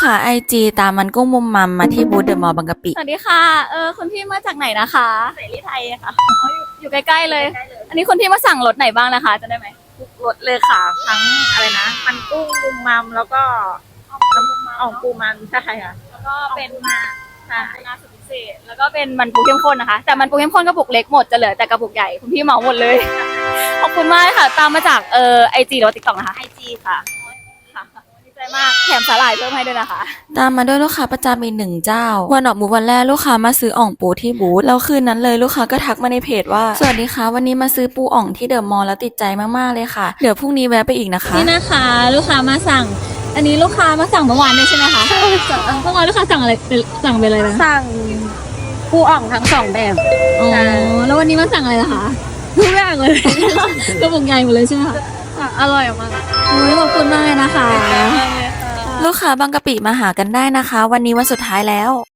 ค้า IG ตามมันกุ้งมุมมัมมาที่บูธเดอะมอลล์บางกะปิสวัสดีค่ะคุณพี่มาจากไหนนะคะเสรีไทยค่ะอยู่ใกล้ๆเลย อันนี้คุณพี่มาสั่งรถไหนบ้างนะคะจะได้ไหมทุกรสเลยค่ะทั้งอะไรนะมันกุ้งมุมมัมแล้วก็น้ำอ่องปูมันใช่ค่ะแล้วก็เป็นใช่นาสุดพิเศษแล้วก็เป็นมันปูเข้มข้นนะคะ แต่มันปูเข้มข้นกระปุกเล็กหมดจะเหลือแต่กระปุกใหญ่คุณพี่เหมาหมดเลย ขอบคุณมากค่ะ ตามมาจากIG หรือ TikTok นะคะ IG ค่ะค่ะดีใจมากแถมสาหร่ายเพิ่มให้ด้วยนะคะตามมาด้วยลูกค้าประจำอีก1เจ้าวันออกบูธวันแรกลูกค้ามาซื้ออ่องปูที่บูธแล้วคืนนั้นเลยลูกค้าก็ทักมาในเพจว่าสวัสดีค่ะวันนี้มาซื้อปูอ่องที่เดอะมอลล์แล้วติดใจมากๆเลยค่ะเดี๋ยวพรุ่งนี้แวะไปอีกนะคะนี่นะคะลูกค้ามาสั่ง อันนี้ลูกค้ามาสั่งเมื่อวานด้วยใช่ไหมคะใช่ค่ะเมื่อวานลูกค้าสั่งอะไรสั่งเป็นอะไรนะสั่งปูอ่องทั้งสองแบบอ๋อใช่แล้ววันนี้มาสั่งอะไรล่ะคะทุกอย่างเลยกระปุกใหญ่หมดเลยใช่ไหมคะอร่อยมากโอ้ยขอบคุณมากเลยนะคะลูกค้าบางกะปิมาหากันได้นะคะ วันนี้วันสุดท้ายแล้ว